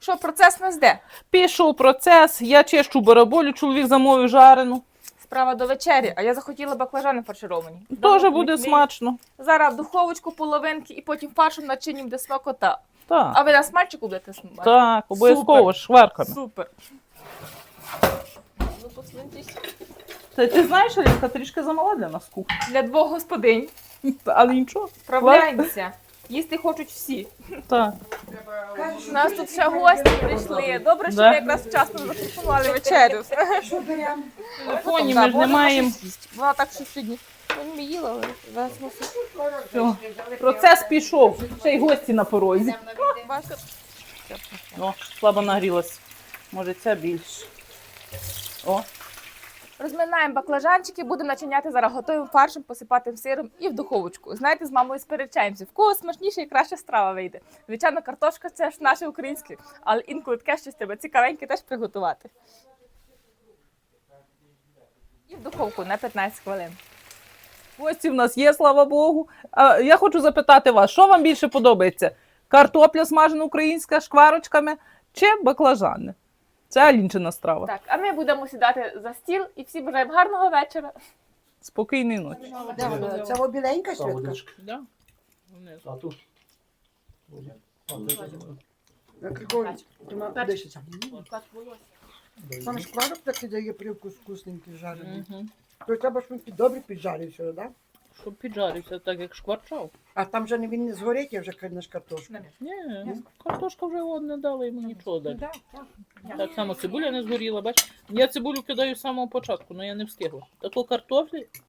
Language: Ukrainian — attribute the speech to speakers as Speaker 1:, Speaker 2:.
Speaker 1: Що, процес нас де?
Speaker 2: Пішов процес, я чищу бараболю, чоловік замовив жарену.
Speaker 1: Справа до вечері, а я захотіла баклажани фаршировані.
Speaker 2: Теж
Speaker 1: Давно
Speaker 2: буде
Speaker 1: не-
Speaker 2: смачно.
Speaker 1: Зараз в духовочку половинки і потім фаршем начинім де смакота.
Speaker 2: Так,
Speaker 1: А ви на смальчику будете смажити?
Speaker 2: так, обов'язково шварками.
Speaker 1: Супер. Ну, посуньтесь.
Speaker 2: Ти знаєш, Алінка, трішки замала для нас кухня.
Speaker 1: Для двох господинь.
Speaker 2: Але нічого.
Speaker 1: Справляємося. Їсти хочуть всі.
Speaker 2: Так.
Speaker 1: У нас тут ще гості прийшли. Добре, що
Speaker 2: Да.
Speaker 1: ви якраз вчасно запропонували вечерю.
Speaker 2: Фоні ми ж не маємо.
Speaker 1: Вона так що сьогодні. Вони не їла, але зараз мусить.
Speaker 2: Все. Процес пішов. Ще й гості на порозі.
Speaker 1: Бачите?
Speaker 2: О, слабо нагрілась. Може, ця більше. О,
Speaker 1: Розминаємо баклажанчики, будемо начиняти зараз готовим фаршем, посипати сиром і в духовочку. Знаєте, з мамою сперечаємося, в кого смачніше і краща страва вийде. Звичайно, картошка це ж наше українське, але інколи таке щось треба цікавеньке теж приготувати. І в духовку на 15 хвилин.
Speaker 2: гості в нас є, слава Богу. А я хочу запитати вас, що вам більше подобається? Картопля смажена українська з шкварочками чи баклажани? Це Алінчина страва.
Speaker 1: Так, а ми будемо сідати за стіл і всі бажаємо гарного вечора.
Speaker 2: Спокійної ночі.
Speaker 3: Де вона? Це обіленька
Speaker 4: Та
Speaker 3: святка?
Speaker 4: водичка.
Speaker 2: Да?
Speaker 4: А тут?
Speaker 3: Григорій, ти дишиться. Саме шкварок такий дає привкус вкусненький жарений.
Speaker 2: Угу.
Speaker 3: То треба, щоб він добре піджарився, так? Да?
Speaker 2: Щоб піджарився так, як шкварчав.
Speaker 3: А там вже він не згорить, я вже кладеш картошку.
Speaker 2: Ні, картошка вже не дала йому нічого далі.
Speaker 1: Да, так.
Speaker 2: Так само цибуля не згоріла, бач. Я цибулю кидаю з самого початку, але я не встигла. Тако картофлі